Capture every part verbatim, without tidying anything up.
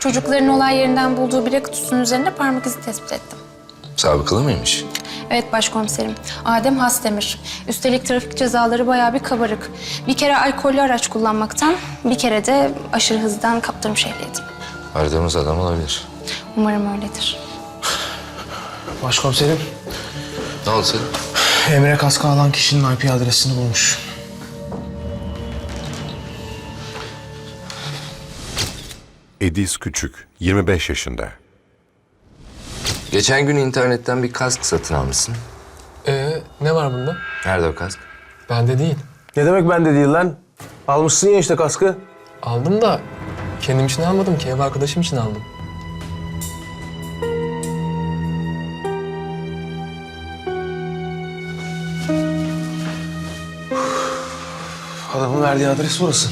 Çocukların olay yerinden bulduğu bira kutusunun üzerinde parmak izi tespit ettim. Sabıkalı mıymış? Evet başkomiserim. Adem Hasdemir. Üstelik trafik cezaları bayağı bir kabarık. Bir kere alkollü araç kullanmaktan, bir kere de aşırı hızdan kaptırmış ehliyetim. Aradığımız adam olabilir. Umarım öyledir. Başkomiserim, Ne oldu senin? Emre kaskı alan kişinin I P adresini bulmuş. Ediz Küçük, yirmi beş yaşında. Geçen gün internetten bir kask satın almışsın. Ee, ne var bunda? Nerede o kask? Bende değil. Ne demek bende değil lan? Almışsın ya işte kaskı. Aldım da kendim için almadım ki, ev arkadaşım için aldım. Adamın verdiği adres burası.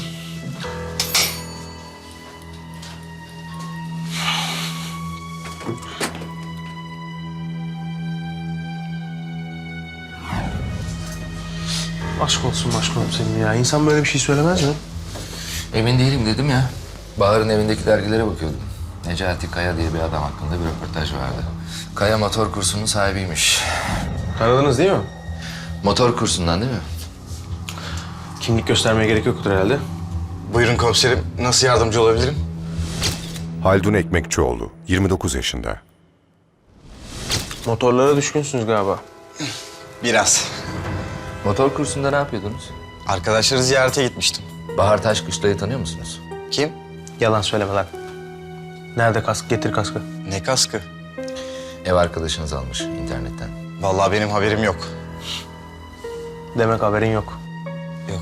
Aşk olsun başkomiserim ya. İnsan böyle bir şey söylemez mi? Emin değilim dedim ya. Bahar'ın evindeki dergilere bakıyordum. Necati Kaya diye bir adam hakkında bir röportaj vardı. Kaya motor kursunun sahibiymiş. Tanıdınız değil mi? Motor kursundan değil mi? Kimlik göstermeye gerek yoktur herhalde. Buyurun komiserim. Nasıl yardımcı olabilirim? Haldun Ekmekçioğlu, yirmi dokuz yaşında. Motorlara düşkünsünüz galiba. Biraz. Motor kursunda ne yapıyordunuz? Arkadaşları ziyarete gitmiştim. Bahar Taşkışla'yı tanıyor musunuz? Kim? Yalan söyleme lan. Nerede kask? Getir kaskı. Ne kaskı? Ev arkadaşınız almış internetten. Vallahi benim haberim yok. Demek haberin yok. Yok.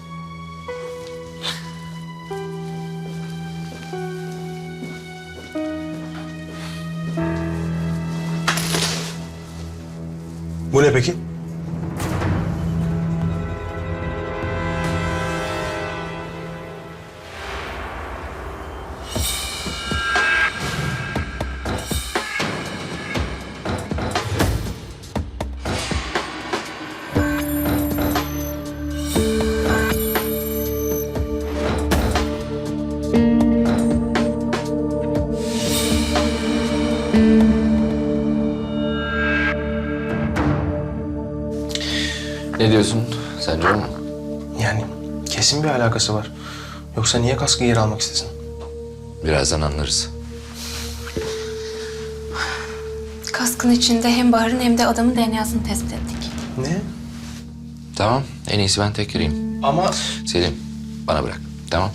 Bu ne peki? Ne diyorsun? Sence o mu? Yani kesin bir alakası var. Yoksa niye kaskı geri almak istesin? Birazdan anlarız. Kaskın içinde hem Bahar'ın hem de adamın D N A'sını tespit ettik. Ne? Tamam, en iyisi ben tek gireyim. Ama... Selim, bana bırak. Tamam.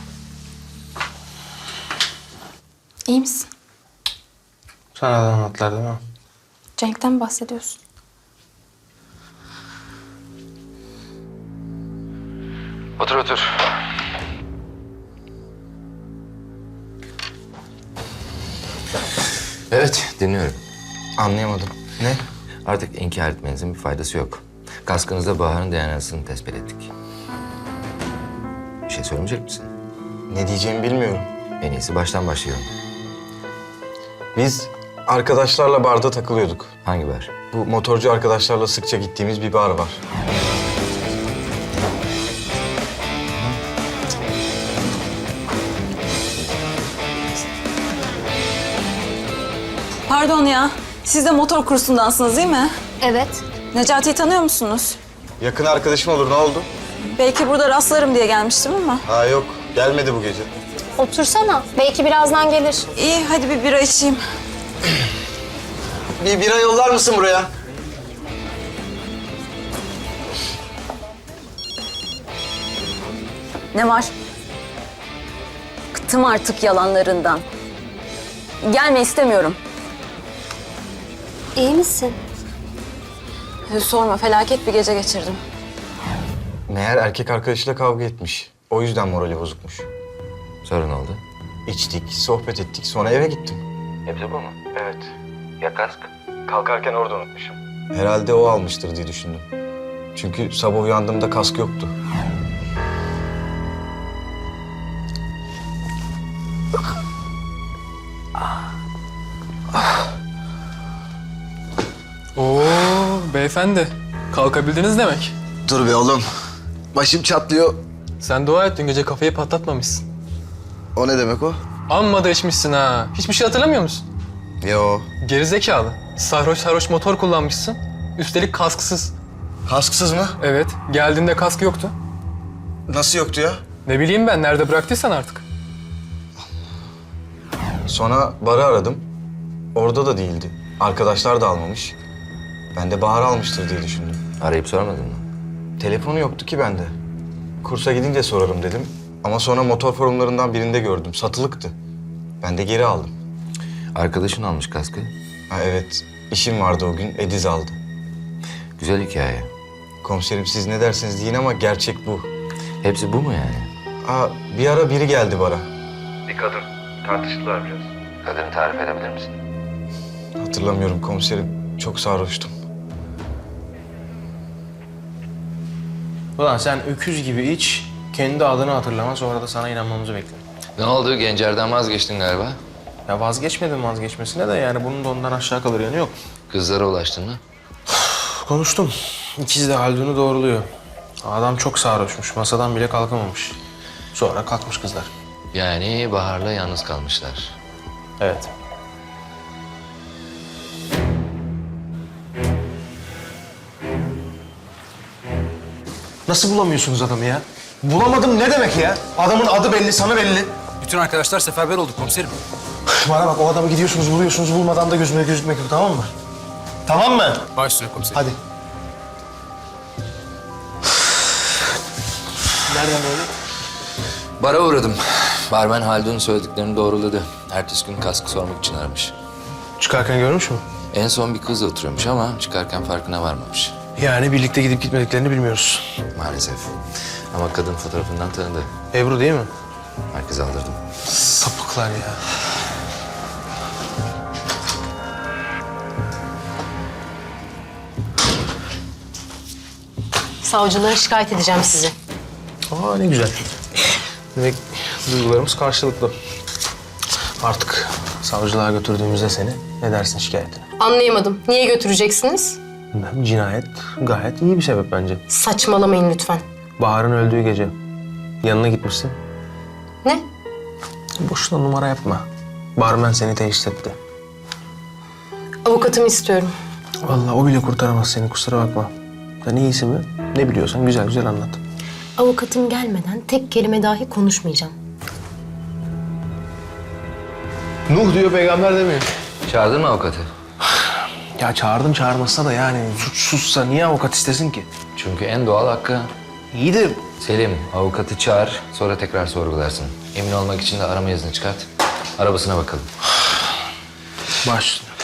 İyi misin? Sana da anlattılar değil mi? Cenk'ten mi bahsediyorsun? Otur otur. Evet, dinliyorum. Anlayamadım. Ne? Artık inkar etmenizin bir faydası yok. Kaskınızda Bahar'ın D N A'sını tespit ettik. Bir şey söylemeyecek misin? Ne diyeceğimi bilmiyorum. En iyisi baştan başlayalım. Biz arkadaşlarla barda takılıyorduk. Hangi bar? Bu motorcu arkadaşlarla sıkça gittiğimiz bir bar var. Pardon ya, siz de motor kursundansınız değil mi? Evet. Necati'yi tanıyor musunuz? Yakın arkadaşım olur, ne oldu? Belki burada rastlarım diye gelmiştim ama. Ha yok, gelmedi bu gece. Otursana. Belki birazdan gelir. İyi, hadi bir bira içeyim. Bir bira yollar mısın buraya? Ne var? Bıktım artık yalanlarından. Gelme istemiyorum. İyi misin? Sorma, felaket bir gece geçirdim. Meğer erkek arkadaşıyla kavga etmiş. O yüzden morali bozukmuş. Sonra ne oldu? İçtik, sohbet ettik, sonra eve gittim. Hepsi bu mu? Evet. Ya kask? Kalkarken orada unutmuşum. Herhalde o almıştır diye düşündüm. Çünkü sabah uyandığımda kask yoktu. Oo, beyefendi. Kalkabildiniz demek. Dur be oğlum. Başım çatlıyor. Sen dua et, dün gece kafayı patlatmamışsın. O ne demek o? Amma da içmişsin ha. Hiçbir şey hatırlamıyor musun? Yo. Gerizekalı. Sarhoş sarhoş motor kullanmışsın. Üstelik kasksız. Kasksız mı? Evet, geldiğinde kask yoktu. Nasıl yoktu ya? Ne bileyim ben, nerede bıraktıysan artık. Sonra barı aradım. Orada da değildi. Arkadaşlar da almamış. Ben de Bahar almıştır diye düşündüm. Arayıp sormadın mı? Telefonu yoktu ki bende. Kursa gidince sorarım dedim. Ama sonra motor forumlarından birinde gördüm. Satılıktı. Ben de geri aldım. Arkadaşın almış kaskı. Ha evet, işim vardı o gün. Ediz aldı. Güzel hikaye. Komiserim siz ne dersiniz deyin ama gerçek bu. Hepsi bu mu yani? Aa, bir ara biri geldi bara. Kadını tarif edebilir misin? Hatırlamıyorum komiserim. Çok sarhoştum. Ulan sen öküz gibi iç, kendi adını hatırlama, sonra da sana inanmamızı bekle. Ne oldu? Gencer'den vazgeçtin galiba. Ya vazgeçmedim vazgeçmesine de yani bunun da ondan aşağı kalır yanı yok. Kızlara ulaştın mı? Konuştum. İkiz de Haldun'u doğruluyor. Adam çok sarhoşmuş, masadan bile kalkamamış. Sonra kalkmış kızlar. Yani Bahar'la yalnız kalmışlar. Evet. Nasıl bulamıyorsunuz adamı ya? Bulamadım ne demek ya? Adamın adı belli, sana belli. Bütün arkadaşlar seferber olduk komiserim. Bana bak, o adamı gidiyorsunuz, buluyorsunuz, bulmadan da gözüme gözükmek yok, tamam mı? Tamam mı? Baş üstüne komiserim. Hadi. Nereden böyle? Bara uğradım. Barmen Haldun'un söylediklerini doğruladı. Ertesi gün kaskı sormak için aramış. Çıkarken görmüş mü? En son bir kızla oturuyormuş ama çıkarken farkına varmamış. Yani birlikte gidip gitmediklerini bilmiyoruz. Maalesef. Ama kadın fotoğrafından tanıdı. Ebru değil mi? Merkeze aldırdım. Sapıklar ya. Savcılığa şikayet edeceğim sizi. Aa ne güzel. Demek duygularımız karşılıklı. Artık savcılığa götürdüğümüzde seni ne dersin şikayetine? Anlayamadım. Niye götüreceksiniz? Bilmem, cinayet gayet iyi bir sebep bence. Saçmalamayın lütfen. Bahar'ın öldüğü gece yanına gitmişsin. Ne? Boşuna numara yapma. Barmen seni teşhis etti. Avukatımı istiyorum. Vallahi o bile kurtaramaz seni, kusura bakma. Sen iyisi mi? Ne biliyorsan güzel güzel anlat. Avukatım gelmeden tek kelime dahi konuşmayacağım. Nuh diyor, peygamber demiyor. Çağırdın mı avukatı? Ya çağırdım çağırmasa da yani suçsuzsa niye avukat istesin ki? Çünkü en doğal hakkı. İyi de Selim, avukatı çağır, sonra tekrar sorgularsın. Emin olmak için de arama izni çıkart. Arabasına bakalım. baş.